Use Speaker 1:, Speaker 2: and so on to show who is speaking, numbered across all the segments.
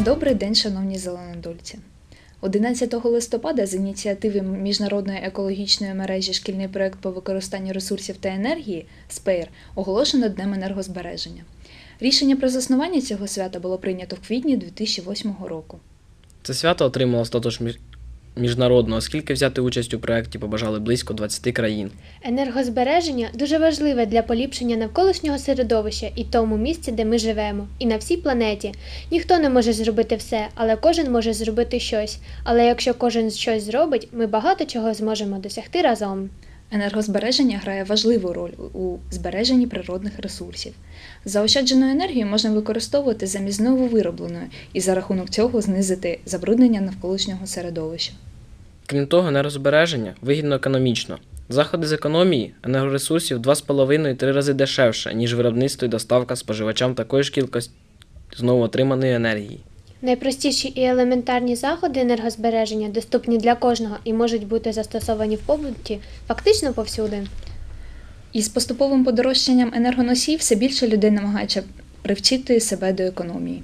Speaker 1: Добрий день, шановні зеленодольці! 11 листопада з ініціативи Міжнародної екологічної мережі «Шкільний проєкт по використанню ресурсів та енергії» СПЕЙР оголошено Днем енергозбереження. Рішення про заснування цього свята було прийнято в квітні 2008 року.
Speaker 2: Це свято отримало статус міжнародного, оскільки взяти участь у проєкті побажали близько 20 країн.
Speaker 3: Енергозбереження дуже важливе для поліпшення навколишнього середовища і тому місці, де ми живемо, і на всій планеті. Ніхто не може зробити все, але кожен може зробити щось. Але якщо кожен щось зробить, ми багато чого зможемо досягти разом.
Speaker 1: Енергозбереження грає важливу роль у збереженні природних ресурсів. Заощаджену енергію можна використовувати замість нововиробленої і за рахунок цього знизити забруднення навколишнього середовища.
Speaker 2: Крім того, енергозбереження вигідно економічно. Заходи з економії енергоресурсів 2,5-3 рази дешевше, ніж виробництво і доставка споживачам такої ж кількості знову отриманої енергії.
Speaker 3: Найпростіші і елементарні заходи енергозбереження доступні для кожного і можуть бути застосовані в побуті фактично повсюди.
Speaker 1: Із поступовим подорожчанням енергоносіїв все більше людей намагається привчити себе до економії.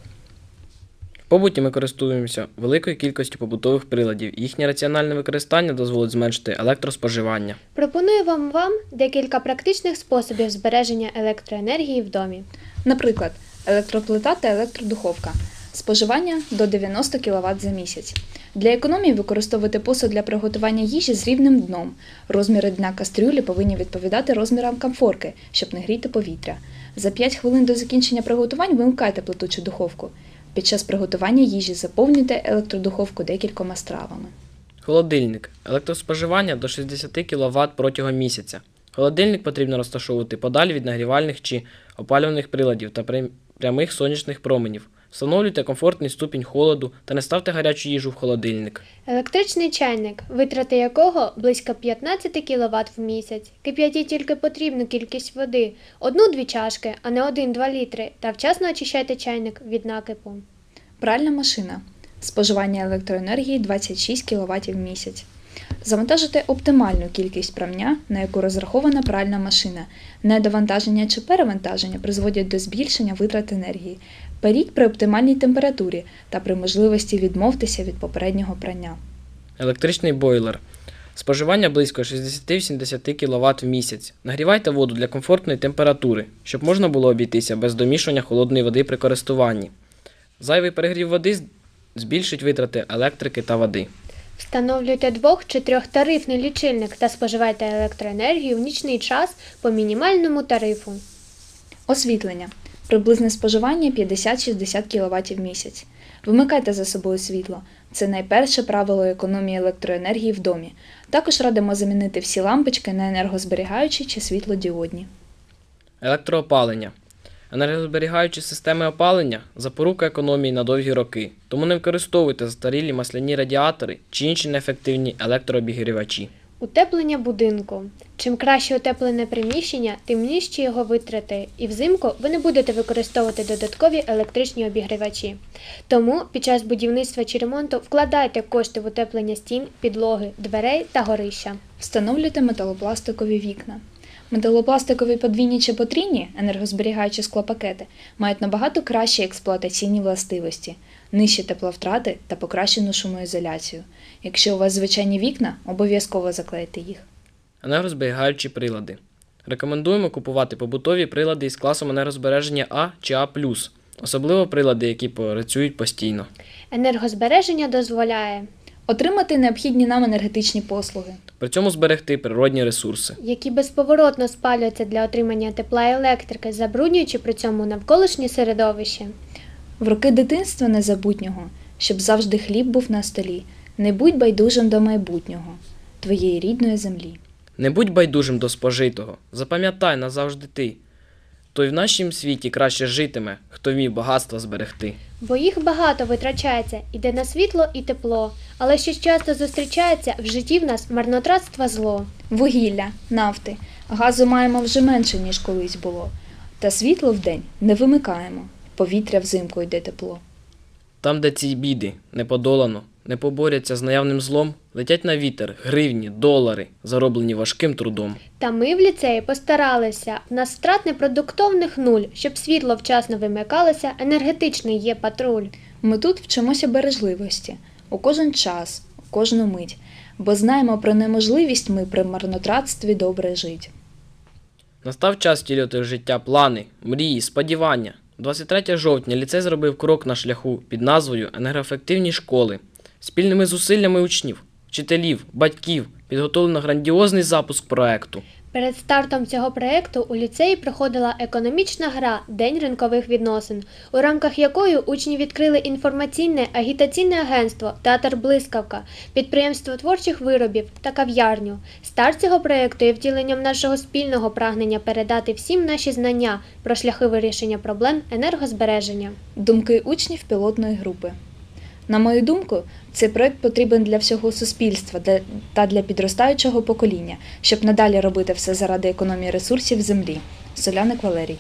Speaker 2: В побуті ми користуємося великою кількістю побутових приладів. Їхнє раціональне використання дозволить зменшити електроспоживання.
Speaker 3: Пропонуємо вам декілька практичних способів збереження електроенергії в домі.
Speaker 1: Наприклад, електроплита та електродуховка. Споживання до 90 кВт за місяць. Для економії використовувати посуд для приготування їжі з рівним дном. Розміри дна кастрюлі повинні відповідати розмірам комфорки, щоб не гріти повітря. За 5 хвилин до закінчення приготувань вимкайте плиту чи духовку. Під час приготування їжі заповнюйте електродуховку декількома стравами.
Speaker 2: Холодильник. Електроспоживання до 60 кВт протягом місяця. Холодильник потрібно розташовувати подалі від нагрівальних чи опалювальних приладів та прямих сонячних променів. Встановлюйте комфортний ступінь холоду та не ставте гарячу їжу в холодильник.
Speaker 3: Електричний чайник, витрати якого близько 15 кВт в місяць. Кип'ятіть тільки потрібну кількість води – 1-2 чашки, а не 1-2 літри, та вчасно очищайте чайник від накипу.
Speaker 1: Пральна машина. Споживання електроенергії 26 кВт в місяць. Завантажити оптимальну кількість прання, на яку розрахована пральна машина. Недовантаження чи перевантаження призводять до збільшення витрат енергії. Періть при оптимальній температурі та при можливості відмовтеся від попереднього прання.
Speaker 2: Електричний бойлер. Споживання близько 60-70 кВт в місяць. Нагрівайте воду для комфортної температури, щоб можна було обійтися без домішування холодної води при користуванні. Зайвий перегрів води збільшить витрати електрики та води.
Speaker 3: Встановлюйте 2- чи 3-тарифний лічильник та споживайте електроенергію в нічний час по мінімальному тарифу.
Speaker 1: Освітлення. Приблизне споживання 50-60 кВт в місяць. Вимикайте за собою світло. Це найперше правило економії електроенергії в домі. Також радимо замінити всі лампочки на енергозберігаючі чи світлодіодні.
Speaker 2: Електроопалення. Енергозберігаючі системи опалення – запорука економії на довгі роки, тому не використовуйте застарілі масляні радіатори чи інші неефективні електрообігрівачі.
Speaker 3: Утеплення будинку. Чим краще утеплене приміщення, тим нижчі його витрати, і взимку ви не будете використовувати додаткові електричні обігрівачі. Тому під час будівництва чи ремонту вкладайте кошти в утеплення стін, підлоги, дверей та горища.
Speaker 1: Встановлюйте металопластикові вікна. Металопластикові подвійні чи потрійні, енергозберігаючі склопакети, мають набагато кращі експлуатаційні властивості, нижчі тепловтрати та покращену шумоізоляцію. Якщо у вас звичайні вікна, обов'язково заклейте їх.
Speaker 2: Енергозберігаючі прилади. Рекомендуємо купувати побутові прилади із класом енергозбереження А чи А+, особливо прилади, які працюють постійно.
Speaker 3: Енергозбереження дозволяє
Speaker 1: отримати необхідні нам енергетичні послуги.
Speaker 2: При цьому зберегти природні ресурси,
Speaker 3: які безповоротно спалюються для отримання тепла і електрики, забруднюючи при цьому навколишнє середовище.
Speaker 1: В роки дитинства незабутнього, щоб завжди хліб був на столі. Не будь байдужим до майбутнього, твоєї рідної землі.
Speaker 2: Не будь байдужим до спожитого, запам'ятай назавжди ти. То й в нашім світі краще житиме, хто вмів багатства зберегти.
Speaker 3: Бо їх багато витрачається, іде на світло і тепло, але що часто зустрічається, в житті в нас марнотратство зло.
Speaker 1: Вугілля, нафти, газу маємо вже менше, ніж колись було. Та світло вдень не вимикаємо, повітря взимку йде тепло.
Speaker 2: Там, де ці біди не подолано, не поборяться з наявним злом, летять на вітер гривні, долари, зароблені важким трудом.
Speaker 3: Та ми в ліцеї постаралися. В нас втрат непродуктовних нуль, щоб світло вчасно вимикалося, енергетичний є патруль.
Speaker 1: Ми тут вчимося бережливості у кожен час, у кожну мить, бо знаємо про неможливість ми при марнотратстві добре жить.
Speaker 2: Настав час втілювати в життя плани, мрії, сподівання. 23 жовтня ліцей зробив крок на шляху під назвою «Енергоефективні школи». Спільними зусиллями учнів, вчителів, батьків підготовлено грандіозний запуск проекту.
Speaker 3: Перед стартом цього проєкту у ліцеї проходила економічна гра «День ринкових відносин», у рамках якої учні відкрили інформаційне агітаційне агентство «Театр Блискавка», підприємство творчих виробів та кав'ярню. Старт цього проєкту є втіленням нашого спільного прагнення передати всім наші знання про шляхи вирішення проблем енергозбереження.
Speaker 1: Думки учнів пілотної групи. На мою думку, цей проект потрібен для всього суспільства та для підростаючого покоління, щоб надалі робити все заради економії ресурсів землі. Соляник Валерій.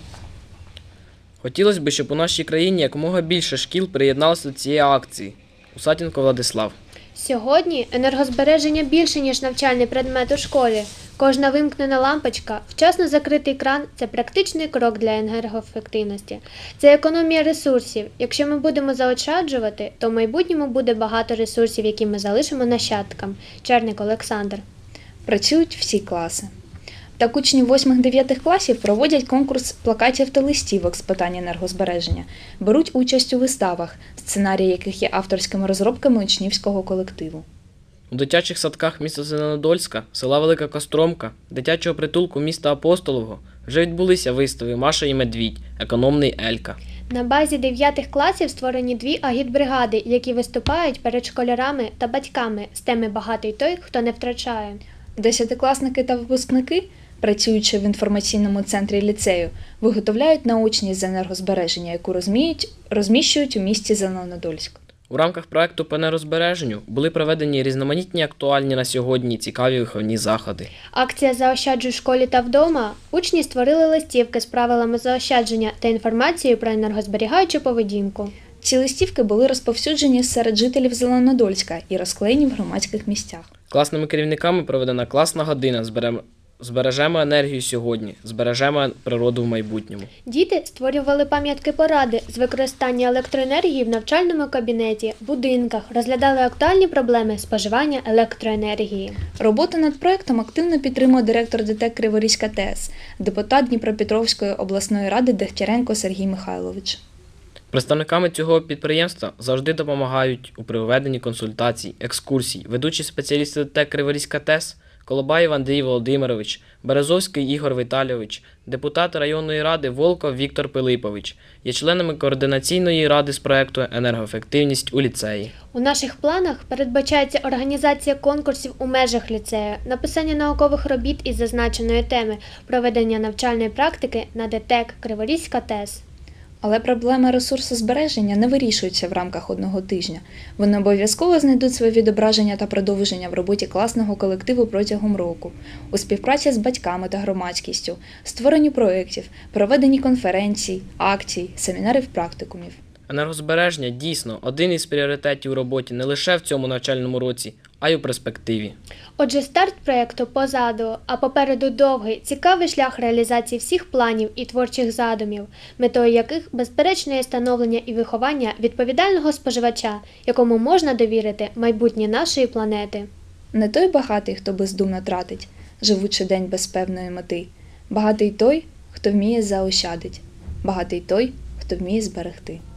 Speaker 2: Хотілося б, щоб у нашій країні якомога більше шкіл приєдналося до цієї акції. Усатінко Владислав.
Speaker 3: Сьогодні енергозбереження більше, ніж навчальний предмет у школі. Кожна вимкнена лампочка, вчасно закритий кран – це практичний крок для енергоефективності. Це економія ресурсів. Якщо ми будемо заощаджувати, то в майбутньому буде багато ресурсів, які ми залишимо нащадкам. Черник Олександр.
Speaker 1: Працюють всі класи. Так учні 8-9 класів проводять конкурс плакатів та листівок з питань енергозбереження, беруть участь у виставах, сценарії яких є авторськими розробками учнівського колективу.
Speaker 2: У дитячих садках міста Зеленодольська, села Велика Костромка, дитячого притулку міста Апостолового вже відбулися вистави «Маша і Медвідь», «Економний Елька».
Speaker 3: На базі 9 класів створені 2 агітбригади, які виступають перед школярами та батьками з теми «Багатий той, хто не втрачає».
Speaker 1: Десятикласники та випускники, працюючи в інформаційному центрі ліцею, виготовляють наочність з енергозбереження, яку розміщують у місті Зеленодольськ.
Speaker 2: У рамках проекту по енергозбереженню були проведені різноманітні актуальні на сьогодні цікаві виховні заходи.
Speaker 3: Акція «Заощаджуй в школі та вдома». Учні створили листівки з правилами заощадження та інформацією про енергозберігаючу поведінку.
Speaker 1: Ці листівки були розповсюджені серед жителів Зеленодольська і розклеєні в громадських місцях.
Speaker 2: Класними керівниками проведена класна година «Збережемо енергію сьогодні, збережемо природу в майбутньому».
Speaker 3: Діти створювали пам'ятки-поради з використання електроенергії в навчальному кабінеті, будинках, розглядали актуальні проблеми споживання електроенергії.
Speaker 1: Роботу над проєктом активно підтримує директор ДТЕК Криворізька ТЕС, депутат Дніпропетровської обласної ради Дегтяренко Сергій Михайлович.
Speaker 2: Представниками цього підприємства завжди допомагають у проведенні консультацій, екскурсій, ведучі спеціалісти ДТЕК Криворізька ТЕС, Колобаєв Андрій Володимирович, Березовський Ігор Віталійович, депутат районної ради Волков Віктор Пилипович, є членами координаційної ради з проекту «Енергоефективність у ліцеї».
Speaker 3: У наших планах передбачається організація конкурсів у межах ліцею, написання наукових робіт із зазначеної теми, проведення навчальної практики на ДТЕК Криворізька ТЕС.
Speaker 1: Але проблеми ресурсозбереження не вирішуються в рамках одного тижня. Вони обов'язково знайдуть своє відображення та продовження в роботі класного колективу протягом року, у співпраці з батьками та громадськістю, створенні проєктів, проведенні конференцій, акцій, семінарів, практикумів.
Speaker 2: Енергозбереження дійсно один із пріоритетів у роботі не лише в цьому навчальному році, а й у перспективі.
Speaker 3: Отже, старт проєкту позаду, а попереду довгий, цікавий шлях реалізації всіх планів і творчих задумів, метою яких безперечно є становлення і виховання відповідального споживача, якому можна довірити майбутнє нашої планети.
Speaker 1: Не той багатий, хто бездумно тратить, живучи день без певної мети. Багатий той, хто вміє заощадить. Багатий той, хто вміє зберегти.